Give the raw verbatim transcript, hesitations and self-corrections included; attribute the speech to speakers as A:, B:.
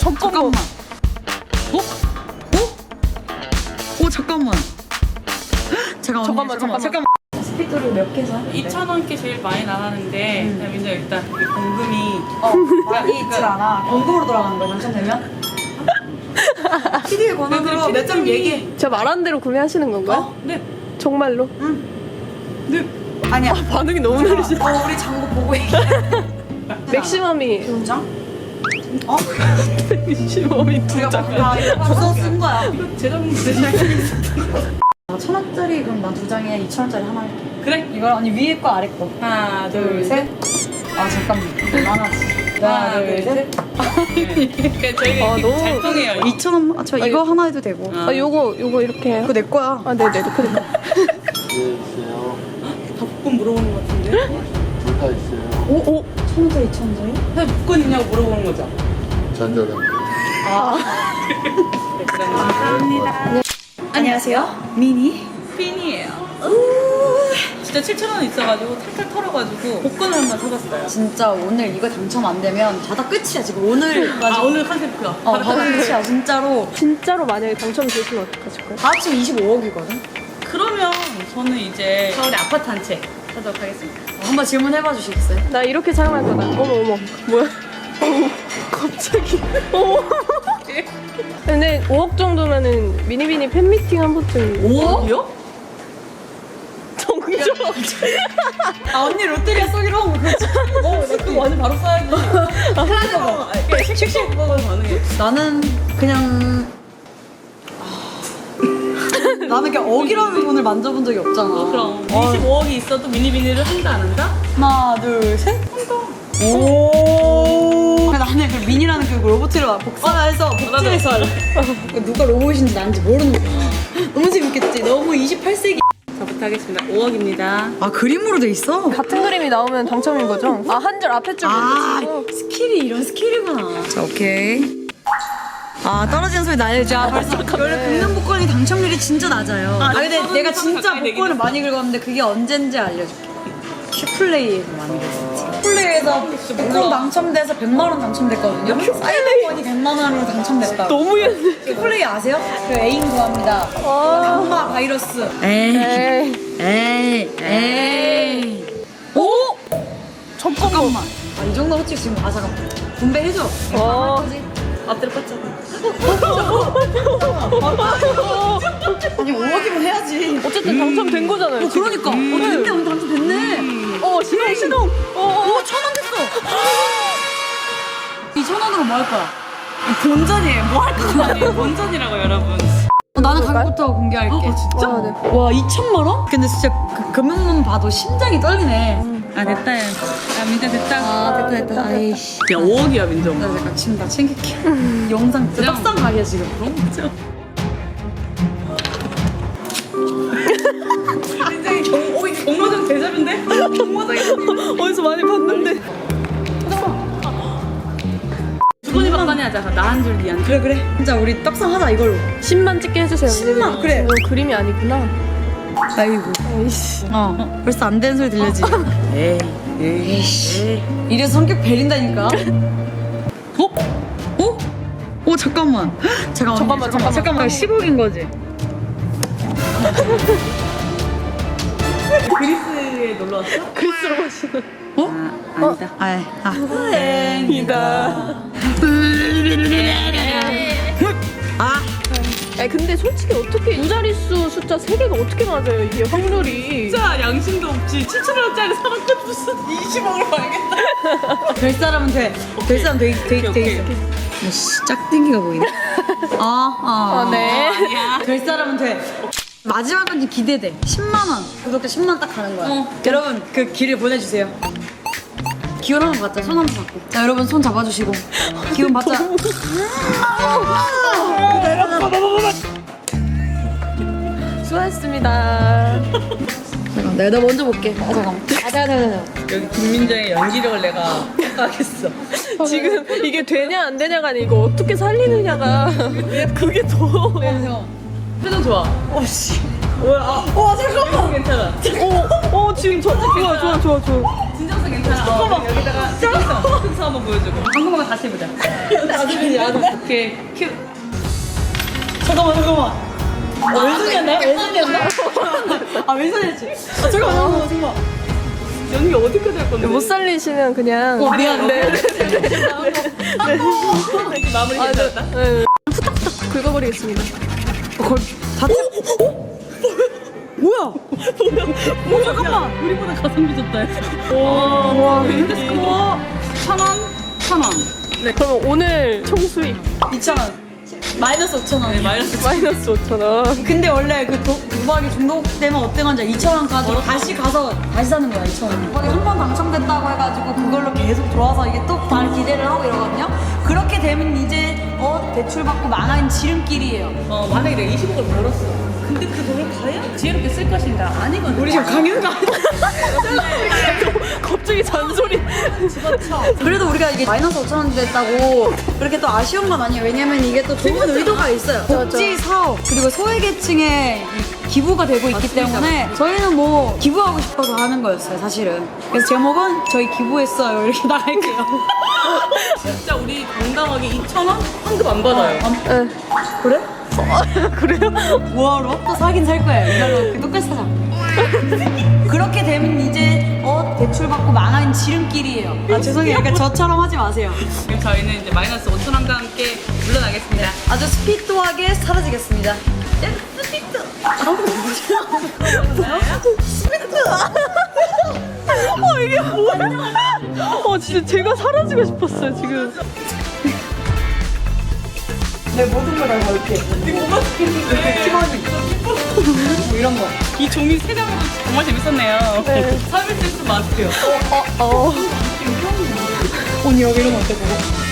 A: 잠깐만. 어? 어? 어 잠깐만. 잠깐만.
B: 잠깐만, 잠깐만.
A: 잠깐만. 스피드를 몇 개 사?
C: 이천 원께 제일 많이 나가는데
A: 음.
C: 민정 일단 이 공금이
A: 어 많이 있질 않아. 공금으로 돌아가는 거야 당첨되면? 피디의 권한으로 몇 점 얘기해.
B: 제가 말한 대로 구매하시는 건가요?
A: 어?
C: 네.
B: 정말로?
C: 네.
A: 아니야.
B: 반응이 너무 느리시다.
A: 어 우리 장고 보고 얘기해.
B: 맥시멈이
A: 장? 어?
B: 맥시멈이 두
A: 우리가
B: 장.
A: 다 이거 벌써 쓴 거야.
C: 제작님 제작.
A: 천 원짜리 그럼 난 두 장에 이천 원짜리 하나 할게.
C: 그래.
A: 이걸 언니 위에 거 아래 거.
C: 하나
A: 둘,
C: 둘
A: 셋.
C: 셋.
A: 아 잠깐만. 많아지. 하나, 둘, 셋.
C: 그러니까 저희가
B: 아,
C: 이렇게
B: 너무-
C: 잘 통해요.
A: 이천 원. 아, 저 이거
B: 아니,
A: 하나 해도 되고.
C: 아.
B: 아 요거 요거 이렇게 해요?
A: 그거 내 거야.
B: 아 네네 그러니까.
D: 있어요.
C: 다 복권 물어보는 것 같은데.
D: 둘 다 있어요.
A: 오? 오? 천 원짜리, 이천 원짜리?
C: 사실 복권 있냐고 물어보는 거죠.
D: 전자담배.
C: 네, 그럼 감사합니다.
A: 안녕하세요. 미니.
C: 핀이에요. 진짜 칠천 원 있어가지고 탈탈 털어가지고 복권을 한번 사봤어요.
A: 진짜 오늘 이거 당첨 안 되면 자다 끝이야 지금. 오늘
C: 아 오늘 컨셉 그거.
A: 어 바로 끝이야 진짜로.
B: 진짜로 만약에 당첨되시면 어떡하실 거예요?
A: 다 합치면 이십오억이거든.
C: 그러면 저는 이제 서울에 아파트 한 채 사도록 하겠습니다.
A: 어, 한번 질문해봐 주시겠어요?
B: 나 이렇게 사용할 거다. 어머 어머 뭐야? 어머 갑자기. 어머. 근데 오억 정도면은 미니비니 팬미팅 한 번쯤.
C: 오억이요?
B: 정정.
A: 아 언니 롯데리아 쏘기로 한 거 그렇지?
C: 어, 그거 완전 바로 써야지.
A: 플라즈마.
C: 씩씩 그거 가능해.
A: 나는 그냥 아, 나는 그냥 억이라는 돈을 만져본 적이 없잖아.
C: 어, 그럼
A: 어.
C: 이십오억이 있어도 미니비니를 한다 안 한다?
A: 하나 둘 셋. 오. 나는 그 미니라는 그 로봇을 막 복사해서 복제해서 할래. 누가 로봇인지 나는지 모르는 거야. 너무 재밌겠지. 너무 이십팔 세기.
C: 저부터 하겠습니다. 오억입니다.
A: 아 그림으로 돼 있어?
B: 같은 그림이 나오면 당첨인 거죠? 아 한 줄 앞에 줄
A: 아
B: 모르시고.
A: 스킬이 이런 스킬이구나. 자 오케이. 아 떨어지는 소리 나야지. 아 벌써 원래 긁는 복권이 당첨률이 진짜 낮아요. 아, 근데
C: 저는
A: 내가
C: 좀
A: 진짜
C: 가까이
A: 복권을
C: 되긴
A: 많이 긁었는데 그게 언젠지 알려줄게. 큐플레이에서 많이 긁었지. 큐플레이에서 복권 당첨돼서 백만 원 당첨됐거든요. 사이버권이 백만 원으로 당첨됐다.
B: 너무 옛날.
A: 큐플레이 아세요? 그 애인 구합니다.
B: 아.
A: 강마 바이러스. 에이
B: 에이.
A: 에이 에이. 오?
B: 잠깐만.
A: 아, 이 정도 솔직히 지금 아 잠깐만 분배해줘.
B: 어.
C: 앞뒤로 뻗잖아.
A: 아니 오억이면 해야지.
B: 어쨌든 당첨된 거잖아요.
A: 어 그러니까. 어 됐네 오늘 당첨됐네.
B: 어 신호 신호. 어.
A: 오 천 원 됐어. 이천 원으로 뭐 할 거야? 본전이에요. 뭐 할 거야?
C: 아니 본전이라고 여러분.
A: 어, 나는 가격부터 공개할게.
C: 어, 진짜?
B: 아, 네.
A: 와 이천만 원? 근데 진짜 그 금액만 봐도 심장이 떨리네.
C: 아 됐다. 야 민정 됐다.
A: 아 됐다 됐다. 아이씨.
C: 야 오억이야 민정.
A: 나 잠깐 지금 나 챙길게. 영상 진짜
C: 그냥-
A: 떡상 각이야 지금.
C: 진짜. 민정이 경, 오 이게 경마장 대접인데? 경마장이
B: 어디서 많이 봤는데.
C: 주거니 박간이 하자. 나 한 줄, 니 한 줄.
A: 그래 그래. 진짜 우리 떡상 하자 이걸로.
B: 십만 찍게 해주세요.
A: 십만? 그래.
B: 이거 그림이 아니구나.
A: 아이고.
B: 에이씨.
A: 어 벌써 안 되는 소리 들려지.
C: 에이.
A: 에이씨. 이래서 성격 베린다니까. 어? 어? 어 잠깐만. 잠깐만.
B: 잠깐만, 잠깐만.
A: 잠깐만. 십억인 거지.
C: 그리스에 놀러 왔어?
B: 그리스로 가시는.
A: 어?
C: 아, 아니다.
A: 아, 아.
B: 이다.
A: 아.
B: 아 근데 솔직히 어떻게 두 자릿수 숫자 세 개가 어떻게 맞아요 이게 확률이.
C: 진짜 양심도 없지. 칠천 원짜리 사람한테 무슨 이십억을 말겠다.
A: 될 사람은 돼. 될 사람 돼, 돼, 돼
C: 오케이,
A: 있어. 씨, 짝땡기가 보이네. 아, 아.
B: 아, 네.
C: 아니야.
A: 될 사람은 돼. 마지막 건지 기대돼. 십만 원. 구독자 십만 원 딱 가는 거야.
C: 어.
A: 여러분, 그 길을 보내주세요. 기운 한번 받자. 손 한번 받고. 자, 여러분 손 잡아주시고. 기운 받자.
B: 수고하셨습니다.
A: 잠깐, 내가 먼저 볼게. 아, 잠깐만. 아, 잠깐, 잠깐, 잠깐.
C: 여기 김민정의 연기력을 내가 평가하겠어.
B: 지금 이게 되냐 안 되냐가 아니라 이거 어떻게 살리느냐가 그게 더.
C: 표정 좋아.
A: 어, 씨.
C: 뭐야? 아,
A: 와, 잠깐만.
C: 괜찮아.
B: 어, 어 지금 저 좋아 좋아 좋아 좋아.
C: 진정성 괜찮아. 잠깐만. 여기다가 찍어서 한번 보여주고. 한 번만 다시 해보자.
A: 나중에, 나중에.
C: 이렇게 큐.
A: 잠깐만 잠깐만. 아, 왼손이었나요? 왼손이었나? 아 왼손이었지. 아, 잠깐만 잠깐만 잠깐만.
C: 연기 어디까지 할 건데?
B: 못 살리시면 그냥.
A: 어 미안.
B: 네.
C: 이렇게 마무리
B: 아, 네.
C: 괜찮다.
B: 네. 후딱후딱 긁어버리겠습니다.
A: 걸 자체. 뭐야? 뭐야? 잠깐만.
C: 우리보다 가성비 좋다.
B: 와.
C: 인데스코 천 원, 천 원.
B: 네. 그러면 오늘 총 수익
A: 이천 원. 마이너스 오천 원.
C: 네, 마이너스.
B: 마이너스 오천 원.
A: 근데 원래 그 도, 도박이 중독되면 어떤 건지 이천 원까지 다시 가서 다시 사는 거야 이천 원. 도박이 한 번 당첨됐다고 해가지고 그걸로 계속 들어와서 이게 또 다른 기대를 하고 이러거든요. 그렇게 되면 이제 어 대출 받고 망한 지름길이에요.
C: 어, 만약에 내가 이십억을 벌었어. 근데 그 돈을 과연 지혜롭게 쓸 것인가? 아니거든.
A: 우리 지금 강연가
B: 갑자기 잔소리.
A: 그래도 우리가 이게 마이너스 오천 원 됐다고 그렇게 또 아쉬운 건 아니에요. 왜냐면 이게 또 좋은 의도가 있어요. 복지 사업 그리고 소외계층에 이 기부가 되고 있기 때문에 저희는 뭐 기부하고 싶어서 하는 거였어요 사실은. 그래서 제목은 저희 기부했어요 이렇게 나갈게요.
C: 진짜 우리 당당하게 이천 원 환급 안 받아요.
B: 네.
A: 그래?
B: 그래요?
A: 뭐하러? 또 사긴 살 거야. 이걸로 똑같이 사자. 그렇게 되면 이제 어 대출 받고 망한 지름길이에요. 아 죄송해요. 그러니까 저처럼 하지 마세요.
C: 그럼 저희는 이제 마이너스 오천 원과 함께 물러나겠습니다.
A: 아주 스피드하게 사라지겠습니다.
B: 어 이게 뭐야? 어 진짜 제가 사라지고 싶었어요 지금.
A: 내 모든 걸 다 걸게.
C: 뭐가 재밌는데?
A: 뭐 이런 거.
C: 이 종이 세 장으로 정말 재밌었네요.
B: 네.
C: 서비스 마스크요.
B: 어.
A: 언니 여기 이러면 어때 그거?